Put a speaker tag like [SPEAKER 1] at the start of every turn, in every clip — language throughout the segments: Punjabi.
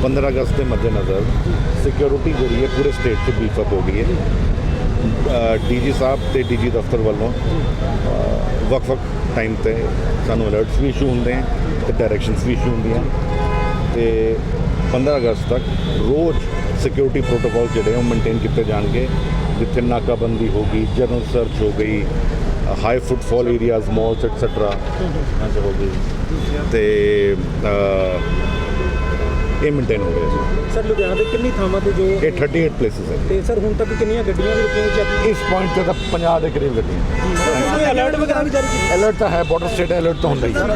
[SPEAKER 1] 15 अगस्त के मद्देनज़र सिक्योरिटी जी है पूरे स्टेट से बीफअप हो गई है। DG साहब तो DG दफ्तर वालों वक्-वक् टाइम पर सानू अलर्ट्स भी इशू होंगे हैं तो डायरैक्शनस भी इशू होंगे तो 15 अगस्त तक रोज़ सिक्योरिटी प्रोटोकॉल जोड़े मेनटेन किए जाएंगे, जिथे नाकाबंदी होगी, जनरल सर्च हो गई, high footfall areas malls etcetera हो गई तो ये मेनटेन हो गया
[SPEAKER 2] सर। लुधियाना के कितनी थावां ते जो
[SPEAKER 1] ये 38 प्लेसिस है
[SPEAKER 2] ਤੇ ਸਰ ਹੁਣ ਤੱਕ ਕਿੰਨੀਆਂ ਗੱਡੀਆਂ ਵੀ ਰੁਕੀਆਂ ਚੈੱਕ
[SPEAKER 1] इस पॉइंट तक 50 के करीब गड्डियां
[SPEAKER 2] अलर्ट वगैरह भी जारी किया
[SPEAKER 1] अलर्ट तो है, बॉर्डर स्टेट है, अलर्ट तो होंगे ही।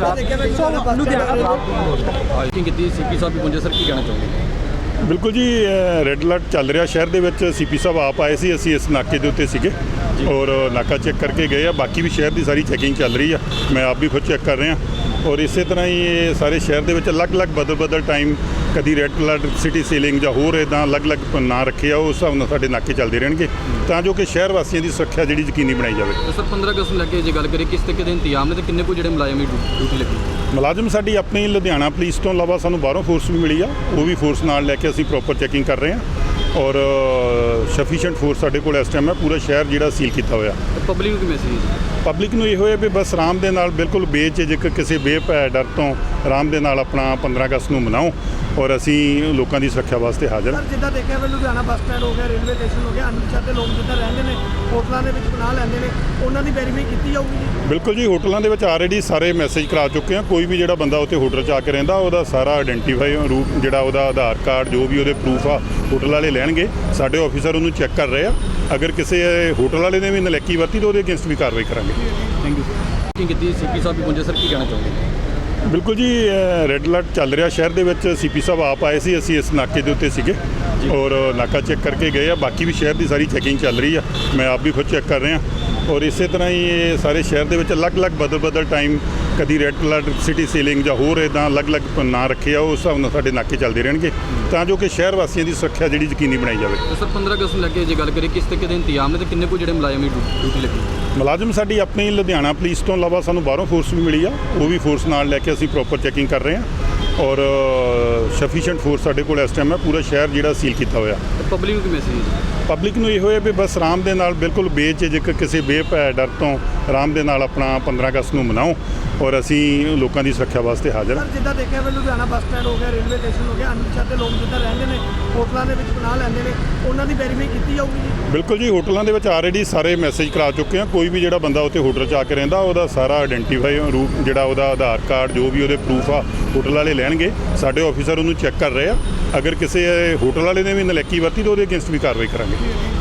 [SPEAKER 2] ਕੀਤੀ ਸੀਪੀ ਸਾਹਿਬ ਵੀ ਪਹੁੰਚੇ ਸਰ, ਕੀ ਕਹਿਣਾ ਚਾਹੁੰਦੇ?
[SPEAKER 3] ਬਿਲਕੁਲ ਜੀ, ਰੈੱਡ ਅਲਰਟ ਚੱਲ ਰਿਹਾ ਸ਼ਹਿਰ ਦੇ ਵਿੱਚ। ਸੀਪੀ ਸਾਹਿਬ ਆਪ ਆਏ ਸੀ, ਅਸੀਂ ਇਸ ਨਾਕੇ ਦੇ ਉੱਤੇ ਸੀਗੇ ਔਰ ਨਾਕਾ ਚੈੱਕ ਕਰਕੇ ਗਏ ਆ। ਬਾਕੀ ਵੀ ਸ਼ਹਿਰ ਦੀ ਸਾਰੀ ਚੈਕਿੰਗ ਚੱਲ ਰਹੀ ਆ, ਮੈਂ ਆਪ ਵੀ ਖੁਦ ਚੈੱਕ ਕਰ ਰਿਹਾ ਔਰ ਇਸੇ ਤਰ੍ਹਾਂ ਹੀ ਇਹ ਸਾਰੇ ਸ਼ਹਿਰ ਦੇ ਵਿੱਚ ਅਲੱਗ-ਅਲੱਗ ਬਦਲ ਟਾਈਮ ਕਦੀ ਰੈੱਡ ਅਲਰਟ, ਸਿਟੀ ਸੀਲਿੰਗ ਜਾਂ ਹੋਰ ਇੱਦਾਂ ਅਲੱਗ-ਅਲੱਗ ਨਾਂ ਰੱਖੇ ਆ, ਉਸ ਹਿਸਾਬ ਨਾਲ ਸਾਡੇ ਨਾਕੇ ਚੱਲਦੇ ਰਹਿਣਗੇ ਤਾਂ ਜੋ ਕਿ ਸ਼ਹਿਰ ਵਾਸੀਆਂ ਦੀ ਸੁਰੱਖਿਆ ਜਿਹੜੀ ਯਕੀਨੀ ਬਣਾਈ ਜਾਵੇ।
[SPEAKER 2] ਸਰ 15 ਅਗਸਤ ਨੂੰ ਲੈ ਕੇ ਜੇ ਗੱਲ ਕਰੀਏ ਕਿਸ ਤਰੀਕੇ ਦੇ ਇੰਤਜ਼ਾਮ ਨੇ ਤੇ ਕਿੰਨੇ ਕੁ ਜਿਹੜੇ ਮੁਲਾਜ਼ਮ ਡਿਊਟੀ ਲੱਗੀ?
[SPEAKER 3] ਮੁਲਾਜ਼ਮ ਸਾਡੀ ਆਪਣੀ ਲੁਧਿਆਣਾ ਪੁਲਿਸ ਤੋਂ ਇਲਾਵਾ ਸਾਨੂੰ ਬਾਹਰੋਂ ਫੋਰਸ ਵੀ ਮਿਲੀ ਆ, ਉਹ ਵੀ ਫੋਰਸ ਨਾਲ ਲੈ ਕੇ ਅਸੀਂ ਪ੍ਰੋਪਰ ਚੈਕਿੰਗ ਕਰ ਰਹੇ ਹਾਂ ਔਰ ਸਫੀਸ਼ੀਐਂਟ ਫੋਰਸ ਸਾਡੇ ਕੋਲ ਇਸ ਟਾਈਮ ਹੈ। ਪੂਰਾ ਸ਼ਹਿਰ ਜਿਹੜਾ ਸੀਲ ਕੀਤਾ ਹੋਇਆ।
[SPEAKER 2] ਪਬਲਿਕ ਨੂੰ ਕੀ ਮੈਸੇਜ?
[SPEAKER 3] ਪਬਲਿਕ ਨੂੰ ਇਹੋ ਹੈ ਵੀ ਬਸ ਆਰਾਮ ਦੇ ਨਾਲ, ਬਿਲਕੁਲ ਬੇਝਿਜਕ, ਕਿਸੇ ਬੇਭੈ ਡਰ ਤੋਂ ਆਰਾਮ ਦੇ ਨਾਲ ਆਪਣਾ 15 ਅਗਸਤ ਨੂੰ ਮਨਾਓ ਔਰ ਅਸੀਂ ਲੋਕਾਂ ਦੀ ਸੁਰੱਖਿਆ ਵਾਸਤੇ ਹਾਜ਼ਰ ਹਾਂ।
[SPEAKER 4] ਸਰ ਜਿੱਦਾਂ ਦੇਖਿਆ ਵੀ ਲੁਧਿਆਣਾ ਬੱਸ ਸਟੈਂਡ ਹੋ ਗਿਆ, ਰੇਲਵੇ ਸਟੇਸ਼ਨ ਹੋ ਗਿਆ, ਅਨਪਛਾਤੇ ਲੋਕ ਜਿੱਦਾਂ ਰਹਿੰਦੇ ਨੇ, ਹੋਟਲਾਂ ਦੇ ਵਿੱਚ ਪਨਾਹ ਲੈਂਦੇ ਨੇ, ਉਹਨਾਂ ਦੀ ਵੈਰੀਫਾਈ ਕੀਤੀ ਜਾਊਗੀ ਜੀ?
[SPEAKER 3] ਬਿਲਕੁਲ ਜੀ, ਹੋਟਲਾਂ ਦੇ ਵਿੱਚ ਆਲਰੇਡੀ ਸਾਰੇ ਮੈਸੇਜ ਕਰਾ ਚੁੱਕੇ ਹਾਂ। ਕੋਈ ਵੀ ਜਿਹੜਾ ਬੰਦਾ ਉੱਥੇ ਹੋਟਲ 'ਚ ਆ ਕੇ ਰਹਿੰਦਾ ਉਹਦਾ ਸਾਰਾ ਆਇਡੈਂਟੀਫਾਈ ਰੂਪ ਜਿਹੜਾ ਉਹਦਾ ਆਧਾਰ ਕਾਰਡ ਜੋ ਵੀ ਉਹਦੇ ਪ੍ਰੂਫ ਆ ਹੋਟਲ ਵਾਲੇ ਲੈਣਗੇ। ਸਾਡੇ ਆਫੀਸਰ ਉਹਨੂੰ ਚੈੱਕ ਕਰ ਰਹੇ ਆ। ਅਗਰ ਕਿਸੇ ਹੋਟਲ ਵਾਲੇ ਨੇ ਵੀ ਨਲਾਇਕੀ ਵਰਤੀ ਤਾਂ ਉਹਦੇ ਅਗੇਂਸਟ ਵੀ ਕਾਰਵਾਈ ਕਰਾਂਗੇ।
[SPEAKER 2] Thank you sir. ਕੀ ਕੀਤੀ ਸੀਪੀ ਸਾਹਿਬ ਵੀ ਪਹੁੰਚੇ ਸਰ, ਕੀ ਕਹਿਣਾ ਚਾਹੁੰਦੇ?
[SPEAKER 3] ਬਿਲਕੁਲ ਜੀ, ਰੈੱਡ ਅਲਰਟ ਚੱਲ ਰਿਹਾ ਸ਼ਹਿਰ ਦੇ ਵਿੱਚ। ਸੀਪੀ ਸਾਹਿਬ ਆਪ ਆਏ ਸੀ, ਅਸੀਂ ਇਸ ਨਾਕੇ ਦੇ ਉੱਤੇ ਸੀਗੇ ਔਰ ਨਾਕਾ ਚੈੱਕ ਕਰਕੇ ਗਏ ਆ। ਬਾਕੀ ਵੀ ਸ਼ਹਿਰ ਦੀ ਸਾਰੀ ਚੈਕਿੰਗ ਚੱਲ ਰਹੀ ਆ, ਮੈਂ ਆਪ ਵੀ ਖੁਦ ਚੈੱਕ ਕਰ ਰਿਹਾ ਔਰ ਇਸੇ ਤਰ੍ਹਾਂ ਹੀ ਇਹ ਸਾਰੇ ਸ਼ਹਿਰ ਦੇ ਵਿੱਚ ਅਲੱਗ-ਅਲੱਗ ਬਦਲ ਟਾਈਮ ਕਦੀ ਰੈੱਡ ਅਲਰਟ, ਸਿਟੀ ਸੀਲਿੰਗ ਜਾਂ ਹੋਰ ਇੱਦਾਂ ਅਲੱਗ-ਅਲੱਗ ਨਾਂ ਰੱਖੇ ਆ, ਉਸ ਹਿਸਾਬ ਨਾਲ ਸਾਡੇ ਨਾਕੇ ਚੱਲਦੇ ਰਹਿਣਗੇ ਤਾਂ ਜੋ ਕਿ ਸ਼ਹਿਰ ਵਾਸੀਆਂ ਦੀ ਸੁਰੱਖਿਆ ਜਿਹੜੀ ਯਕੀਨੀ ਬਣਾਈ ਜਾਵੇ।
[SPEAKER 2] ਸਰ 15 ਅਗਸਤ ਨੂੰ ਲੈ ਕੇ ਜੇ ਗੱਲ ਕਰੀਏ ਕਿਸ ਤਰੀਕੇ ਦੇ ਇੰਤਜ਼ਾਮ ਨੇ ਤੇ ਕਿੰਨੇ ਕੁ ਜਿਹੜੇ ਮੁਲਾਜ਼ਮ ਡਿਊਟੀ ਲੱਗੀ?
[SPEAKER 3] ਮੁਲਾਜ਼ਮ ਸਾਡੀ ਆਪਣੀ ਲੁਧਿਆਣਾ ਪੁਲਿਸ ਤੋਂ ਇਲਾਵਾ ਸਾਨੂੰ ਬਾਹਰੋਂ ਫੋਰਸ ਵੀ ਮਿਲੀ ਆ, ਉਹ ਵੀ ਫੋਰਸ ਨਾਲ ਲੈ ਕੇ ਅਸੀਂ ਪ੍ਰੋਪਰ ਚੈਕਿੰਗ ਕਰ ਰਹੇ ਹਾਂ ਔਰ ਸਫੀਸ਼ੀਐਂਟ ਫੋਰਸ ਸਾਡੇ ਕੋਲ ਇਸ ਟਾਈਮ ਹੈ। ਪੂਰਾ ਸ਼ਹਿਰ ਜਿਹੜਾ ਸੀਲ ਕੀਤਾ ਹੋਇਆ।
[SPEAKER 2] ਪਬਲਿਕ ਨੂੰ ਕੀ ਮੈਸੇਜ?
[SPEAKER 3] ਪਬਲਿਕ ਨੂੰ ਇਹੋ ਹੈ ਵੀ ਬਸ ਆਰਾਮ ਦੇ ਨਾਲ, ਬਿਲਕੁਲ ਬੇਝਿਜਕ, ਕਿਸੇ ਬੇਭੈ ਡਰ ਤੋਂ ਆਰਾਮ ਦੇ ਨਾਲ ਆਪਣਾ 15 ਅਗਸਤ ਨੂੰ ਮਨਾਓ ਔਰ ਅਸੀਂ ਲੋਕਾਂ ਦੀ ਸੁਰੱਖਿਆ ਵਾਸਤੇ ਹਾਜ਼ਰ ਹਾਂ।
[SPEAKER 4] ਸਰ ਜਿੱਦਾਂ ਦੇਖਿਆ ਵੀ ਲੁਧਿਆਣਾ ਬੱਸ ਸਟੈਂਡ ਹੋ ਗਿਆ, ਰੇਲਵੇ ਸਟੇਸ਼ਨ ਹੋ ਗਿਆ, ਅਨਪਛਾਤੇ ਲੋਕ ਜਿੱਦਾਂ ਰਹਿੰਦੇ ਨੇ, ਹੋਟਲਾਂ ਦੇ ਵਿੱਚ ਪਨਾਹ ਲੈਂਦੇ ਨੇ, ਉਹਨਾਂ ਦੀ ਵੈਰੀਫਾਈ ਕੀਤੀ ਜਾਊਗੀ ਜੀ?
[SPEAKER 3] ਬਿਲਕੁਲ ਜੀ, ਹੋਟਲਾਂ ਦੇ ਵਿੱਚ ਆਲਰੇਡੀ ਸਾਰੇ ਮੈਸੇਜ ਕਰਾ ਚੁੱਕੇ ਹਾਂ। ਕੋਈ ਵੀ ਜਿਹੜਾ ਬੰਦਾ ਉੱਥੇ ਹੋਟਲ 'ਚ ਆ ਕੇ ਰਹਿੰਦਾ ਉਹਦਾ ਸਾਰਾ ਆਇਡੈਂਟੀਫਾਈ ਰੂਪ ਜਿਹੜਾ ਉਹਦਾ ਆਧਾਰ ਕਾਰਡ ਜੋ ਵੀ ਉਹਦੇ ਪ੍ਰੂਫ ਆ ਹੋਟਲ ਵਾਲੇ ਲੈਣਗੇ। ਸਾਡੇ ਆਫੀਸਰ ਉਹਨੂੰ ਚੈੱਕ ਕਰ ਰਹੇ ਆ। ਅਗਰ ਕਿਸੇ ਹੋਟਲ ਵਾਲੇ ਨੇ ਵੀ ਨਲਾਇਕੀ ਵਰਤੀ ਤਾਂ ਉਹਦੇ ਅਗੇਂਸਟ ਵੀ ਕਾਰਵਾਈ ਕਰਾਂਗੇ।